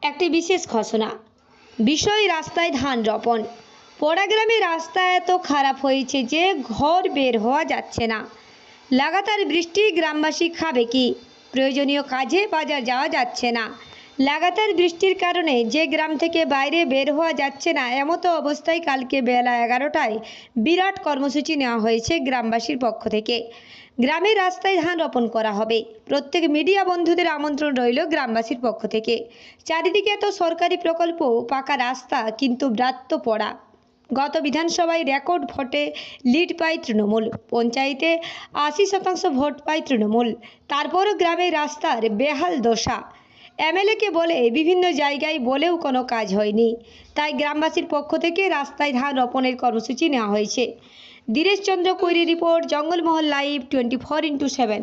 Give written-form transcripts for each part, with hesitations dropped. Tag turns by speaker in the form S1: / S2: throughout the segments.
S1: একটি বিশেষ ঘোষণা। বিষয় রাস্তায় ধান রোপণ। পোড়া গ্রামে রাস্তা এত খারাপ হয়েছে যে ঘর বের হওয়া যাচ্ছে না। লাগাতার বৃষ্টি, গ্রামবাসী খাবে কি? প্রয়োজনীয় কাজে বাজার যাওয়া যাচ্ছে না। লাগাতার বৃষ্টির কারণে যে গ্রাম থেকে বাইরে বের হওয়া যাচ্ছে না, এমতো অবস্থায় কালকে বেলা 11টায় বিরাট কর্মসূচি নেওয়া হয়েছে গ্রামবাসীর পক্ষ থেকে। গ্রামের রাস্তায় ধান রোপণ করা হবে। প্রত্যেক মিডিয়া বন্ধুদের আমন্ত্রণ রইল গ্রামবাসীর পক্ষ থেকে। চারিদিকে এত সরকারি প্রকল্প, পাকা রাস্তা, কিন্তু ব্রাত্য পড়া। গত বিধানসভায় রেকর্ড ভোটে লিড পায় তৃণমূল। পঞ্চায়েতে 80% ভোট পায় তৃণমূল। তারপরও গ্রামের রাস্তার বেহাল দশা। এমএলএকে বলে বিভিন্ন জায়গায় বলেও কোনো কাজ হয়নি। তাই গ্রামবাসীর পক্ষ থেকে রাস্তায় ধান রোপণের কর্মসূচি নেওয়া হয়েছে। দীরেশ চন্দ্র কৈরি রিপোর্ট, জঙ্গলমহল লাইভ 24x7।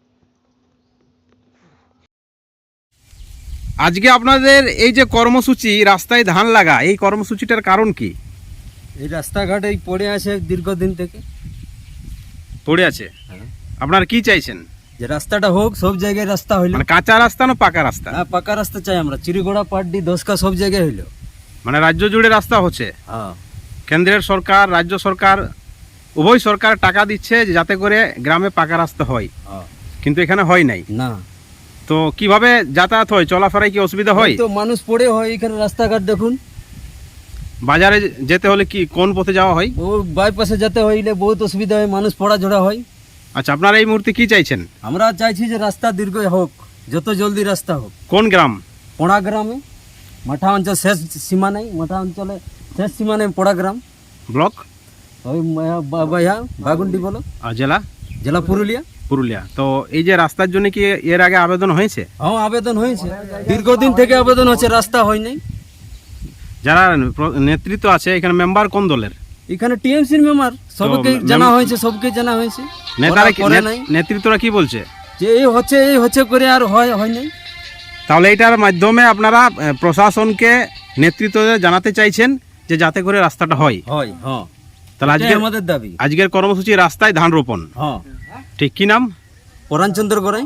S2: আজকে আপনাদের এই যে কর্মসূচি রাস্তায় ধান লাগা, এই কর্মসূচিটার কারণ কি?
S3: এই রাস্তাঘাট এই পড়ে আছে দীর্ঘদিন থেকে
S2: পড়ে আছে। আপনারা কি চাইছেন?
S3: যে রাস্তাটা হোক, সব জায়গায় রাস্তা হইলো।
S2: মানে কাঁচা রাস্তা না পাকা রাস্তা?
S3: না, পাকা রাস্তা চাই আমরা। চিরিগোড়া, পাড্ডি, দশকা সব জায়গায় হইলো।
S2: মানে রাজ্য জুড়ে রাস্তা হচ্ছে।
S3: হ্যাঁ,
S2: কেন্দ্রের সরকার, রাজ্য সরকার উভয় সরকার টাকা দিচ্ছে যাতে করে গ্রামে পাকা রাস্তা হয়, কিন্তু এখানে হয় নাই।
S3: না,
S2: তো কিভাবে যাতায়াত হয়, চলাফেরায় কি অসুবিধা হয়?
S3: তো মানুষ পড়ে হয় এখানে। রাস্তাঘাট দেখুন।
S2: বাজারে যেতে হলে কি কোন পথে যাওয়া হয়?
S3: ও বাইপাসে যেতে হইলে বহুত অসুবিধা হয়, মানুষ পড়া ঝোড়া হয়।
S2: আচ্ছা, আপনারা এই মুহূর্তে কি চাইছেন?
S3: আমরা চাইছি যে রাস্তা দীর্ঘ হোক, যত জলদি রাস্তা হোক।
S2: কোন গ্রাম?
S3: পোড়া গ্রামে, মাঠা অঞ্চল শেষ সীমা নেই। মাঠা অঞ্চলে শেষ সীমা নেই পোড়া গ্রাম।
S2: ব্লক?
S3: ওই বাগুন্ডি বলো।
S2: আর জেলা?
S3: জেলা পুরুলিয়া।
S2: পুরুলিয়া। তো এই যে রাস্তার জন্য কি এর আগে আবেদন হয়েছে?
S3: হ্যাঁ, আবেদন হয়েছে। দীর্ঘদিন থেকে আবেদন হচ্ছে, রাস্তা হয় নাই।
S2: যারা নেতৃত্ব আছে এখানে, মেম্বার কোন দলের?
S3: এখানে টিএমসির মেম্বার, সবকে জানা হয়েছে, সবকে জানা হয়েছে।
S2: নেতারা
S3: করে নাই।
S2: নেতৃত্বরা কি বলছে?
S3: যে এই হচ্ছে করে আর হয় নাই।
S2: তাহলে এটার মাধ্যমে আপনারা প্রশাসনকে নেতৃত্ব জানাতে চাইছেন যে যাতে করে রাস্তাটা হয়।
S3: হ্যাঁ,
S2: তাহলে আজকে
S3: আমাদের দাবি।
S2: আজকের কর্মসূচি রাস্তায় ধান রোপণ।
S3: হ্যাঁ,
S2: ঠিক। কি নাম?
S3: পরাণচন্দ্র গড়াই।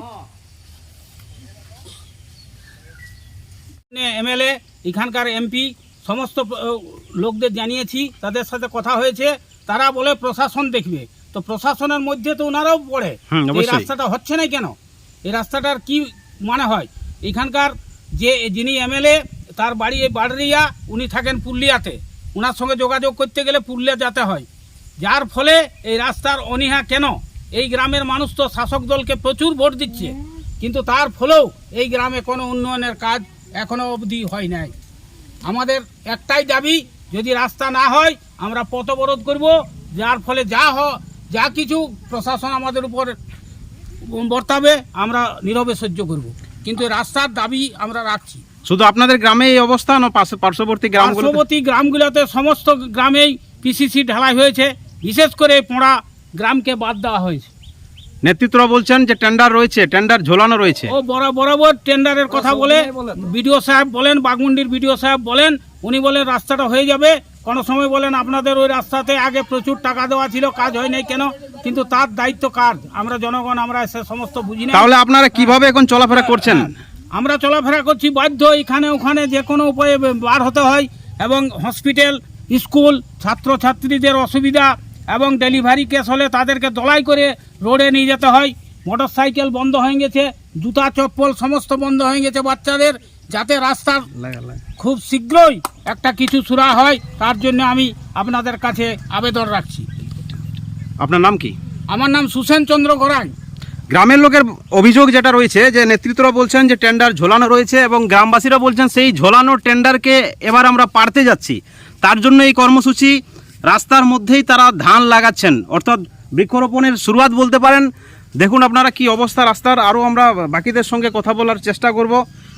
S4: এমএলএ, এখানকার এমপি, সমস্ত লোকদের জানিয়েছি, তাদের সাথে কথা হয়েছে। তারা বলে প্রশাসন দেখবে। তো প্রশাসনের মধ্যে তো ওনারাও পড়ে। এই রাস্তাটা হচ্ছে না কেন? এই রাস্তাটার কি মানে হয়? এখানকার যিনি এমএলএ, তার বাড়ি এই বাড়রিয়া, উনি থাকেন পুরুলিয়াতে। ওনার সঙ্গে যোগাযোগ করতে গেলে পুরুলিয়া যেতে হয়। যার ফলে এই রাস্তার অনীহা কেন? এই গ্রামের মানুষ তো শাসক দলকে প্রচুর ভোট দিচ্ছে, কিন্তু তার ফলেও এই গ্রামে কোনো উন্নয়নের কাজ এখনো অবধি হয় নাই। আমাদের একটাই দাবি, যদি রাস্তা না হয় আমরা পথ অবরোধ করব। যার ফলে যা কিছু প্রশাসন আমাদের উপর বর্তাবে আমরা নীরবে সহ্য করব, কিন্তু রাস্তার দাবি আমরা রাখছি।
S2: শুধু আপনাদের গ্রামে এই অবস্থা না পার্শ্ববর্তী
S4: গ্রামগুলোতে সমস্ত গ্রামেই পিসিসি ঢালাই হয়েছে। বিশেষ করে পোড়া গ্রামকে বাদ দেওয়া হয়েছে।
S2: নেতৃত্বরা বলছেন যে টেন্ডার রয়েছে, টেন্ডার ঝোলানো রয়েছে।
S4: ও বরাবর টেন্ডারের কথা বলে বিডিও সাহেব বলেন, বাগমুন্ডির বিডিও সাহেব বলেন, উনি বলেন রাস্তাটা হয়ে যাবে। কোনো সময় বলেন আপনাদের ওই রাস্তাতে আগে প্রচুর টাকা দেওয়া ছিল, কাজ হয় নাই কেন? কিন্তু তার দায়িত্ব কার? আমরা জনগণ, আমরা সে সমস্ত বুঝি না।
S2: তাহলে আপনারা কিভাবে এখন চলাফেরা করছেন?
S4: আমরা চলাফেরা করছি বাধ্য, এখানে ওখানে যে কোনো উপায়ে বার হতে হয়। এবং হসপিটাল, স্কুল, ছাত্রছাত্রীদের অসুবিধা, এবং ডেলিভারি কেস হলে তাদেরকে দলাই করে রোডে নিয়ে যেতে হয়। মোটর সাইকেল বন্ধ হয়ে গেছে, জুতা চপ্পল সমস্ত বন্ধ হয়ে গেছে বাচ্চাদের। যাতে রাস্তার খুব শীঘ্রই একটা কিছু সুরা হয়, তার জন্য আমি আপনাদের কাছে আবেদন রাখছি।
S2: আপনার নাম কি?
S4: আমার নাম সুসেন চন্দ্র গড়াই।
S2: গ্রামের লোকের অভিযোগ যেটা রয়েছে, যে নেতৃত্বরা বলছেন যে টেন্ডার ঝোলানো রয়েছে, এবং গ্রামবাসীরা বলছেন সেই ঝোলানো টেন্ডারকে এবার আমরা পারতে যাচ্ছি। তার জন্য এই কর্মসূচি, রাস্তার মধ্যেই তারা ধান লাগাচ্ছেন, অর্থাৎ বৃক্ষরোপণের শুরুয়াত বলতে পারেন। দেখুন আপনারা কি অবস্থা রাস্তার। আরও আমরা বাকিদের সঙ্গে কথা বলার চেষ্টা করব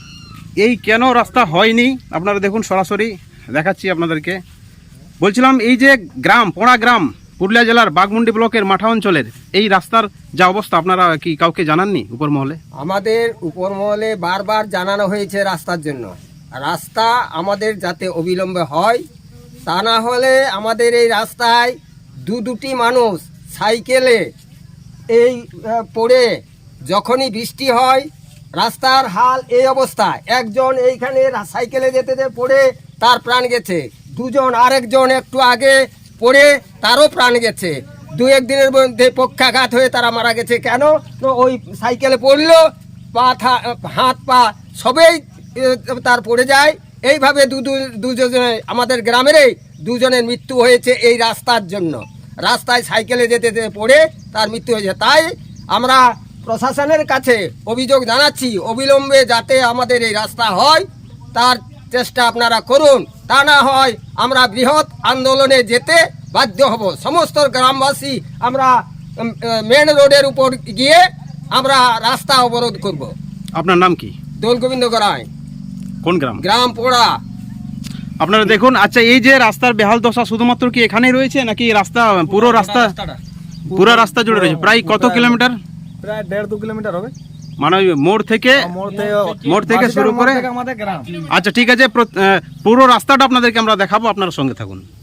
S2: এই কেন রাস্তা হয়নি। আপনারা দেখুন, সরাসরি দেখাচ্ছি আপনাদেরকে। বলছিলাম এই যে গ্রাম, পোড়া গ্রাম, পুরুলিয়া জেলার বাগমুন্ডি ব্লকের মাঠা অঞ্চলের এই রাস্তার যা অবস্থা, আপনারা কি কাউকে জানাননি উপর মহলে?
S5: আমাদের উপর মহলে বারবার জানানো হয়েছে রাস্তার জন্য। রাস্তা আমাদের যাতে অবিলম্বে হয়, তা না হলে আমাদের এই রাস্তায় দুটি মানুষ সাইকেলে এই পড়ে যখনই বৃষ্টি হয় রাস্তার হাল এই অবস্থা, একজন এইখানে সাইকেলে যেতে যেতে পড়ে তার প্রাণ গেছে, দুজন আরেকজন একটু আগে পড়ে তারও প্রাণ গেছে, দু একদিনের মধ্যে পক্ষাঘাত হয়ে তারা মারা গেছে। কেন? তো ওই সাইকেলে পড়লো, হাত পা সবেই তার পড়ে যায়। এইভাবে দুজনে আমাদের গ্রামেরই দুজনের মৃত্যু হয়েছে এই রাস্তার জন্য। রাস্তায় সাইকেলে যেতে যেতে পড়ে তার মৃত্যু হয়েছে। তাই আমরা প্রশাসনের কাছে অভিযোগ জানাচ্ছি, অবিলম্বে যাতে আমাদের এই রাস্তা হয় তার চেষ্টা আপনারা করুন। তা না হয় আমরা বৃহৎ আন্দোলনে যেতে বাধ্য হব। সমস্ত গ্রামবাসী আমরা মেন রোডের উপর গিয়ে আমরা রাস্তা অবরোধ করব।
S2: আপনার নাম কি?
S5: দোল গোবিন্দ গড়াই,
S2: কোন গ্রাম?
S5: গ্রাম পোড়া।
S2: আপনারা দেখুন, আচ্ছা এই যে রাস্তার বেহাল দশা শুধুমাত্র কি এখানেই রয়েছে নাকি রাস্তা পুরো রাস্তা জুড়ে রয়েছে? প্রায় কত কিলোমিটার?
S6: প্রায় 1.5-2 কিলোমিটার হবে।
S2: মানে ওই মোড় থেকে শুরু করে
S6: আমাদের গ্রাম।
S2: আচ্ছা ঠিক আছে, পুরো রাস্তাটা আপনাদেরকে আমরা দেখাবো, আপনারা সঙ্গে থাকুন।